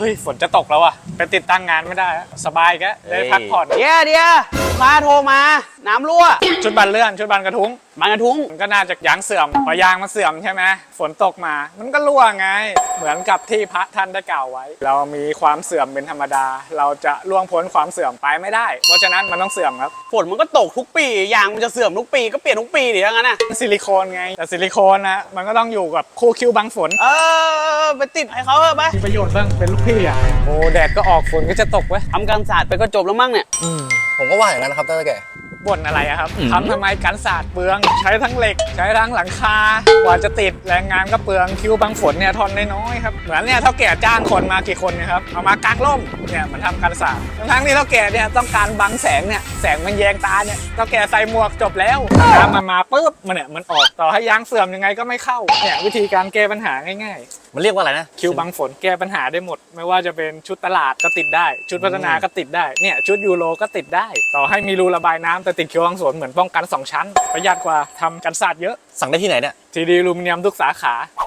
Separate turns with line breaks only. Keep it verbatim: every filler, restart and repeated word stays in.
เฮ้ยฝนจะตกแล้วอ่ะไปติดตั้งงานไม่ได้สบายแกได้พักผ่อน
เดี๋ยวเดี๋ยวลูกค้าโทรมาน้ำรั่ว
ชุดบันเลื่อนชุดบันกระทุ้ง
มันกระทุ้ง
มันก็น่าจะยางเสื่อมพอยางมันเสื่อมใช่ไหมฝนตกมามันก็รั่วไงเหมือนกับที่พระท่านได้กล่าวไว้ เรามีความเสื่อมเป็นธรรมดา เราจะล่วงพ้นความเสื่อมไปไม่ได้ เพราะฉะนั้นมันต้องเสื่อมครับ
ฝนมันก็ตกทุกปียางมันจะเสื่อมทุกปีก็เปลี่ยนทุกปีดิทั้งนั้นนะ
ซิลิโคนไงแต่ซิลิโคนนะมันก็ต้องอยู่กับคู่คิวบังฝน
เออไปติดให้เขาเถอะไป
มีประโยชน์บ้างเป็นลูกพี่อ่ะโอ้แดดก็ออกฝนก็จะตกเว้ย
ทำการศาสตร์ไปก็จบแล้วมั้งเนี่ย
ผมก็ว่าอย่างนั้นนะครับท่านแก่
บ่นอะไรอะครับทำทำไมกันศาสตร์เปลืองใช้ทั้งเหล็กใช้ทั้งหลังคากว่าจะติดแรงงานก็เปลืองคิวบังฝนเนี่ยทนน้อยๆครับเหมือนเนี่ยเท่าแก่จ้างคนมากี่คนเนะครับเอามากางร่มเนี่ยมันทำกันศาสตร์ทั้งที่เท่าแก่เนี่ยต้องการบังแสงเนี่ยแสงมันแยงตาเนี่ยเท่าแก่ใส่หมวกจบแล้วน้ำมันมาปุ๊บมันเนี่ยมันออกต่อให้ยางเสื่อมยังไงก็ไม่เข้าเนี่ยวิธีการแก้ปัญหาง่ายๆ
มันเรียกว่าอะไรนะ
คิวบังฝนแก้ปัญหาได้หมด ไม่ว่าจะเป็นชุดตลาดก็ติดได้ ชุดพัฒนาก็ติดได้เนี่ยชุดยูโรก็ติดได้ ต่อให้มีรูระบายน้ำแต่ติดคิวบังฝนเหมือนป้องกันสองชั้นประหยัดกว่าทำกันศาสตร์เยอะ
สั่งได้ที่ไหนเนี่ย
ทีดีอลูมิเนียมทุกสาขา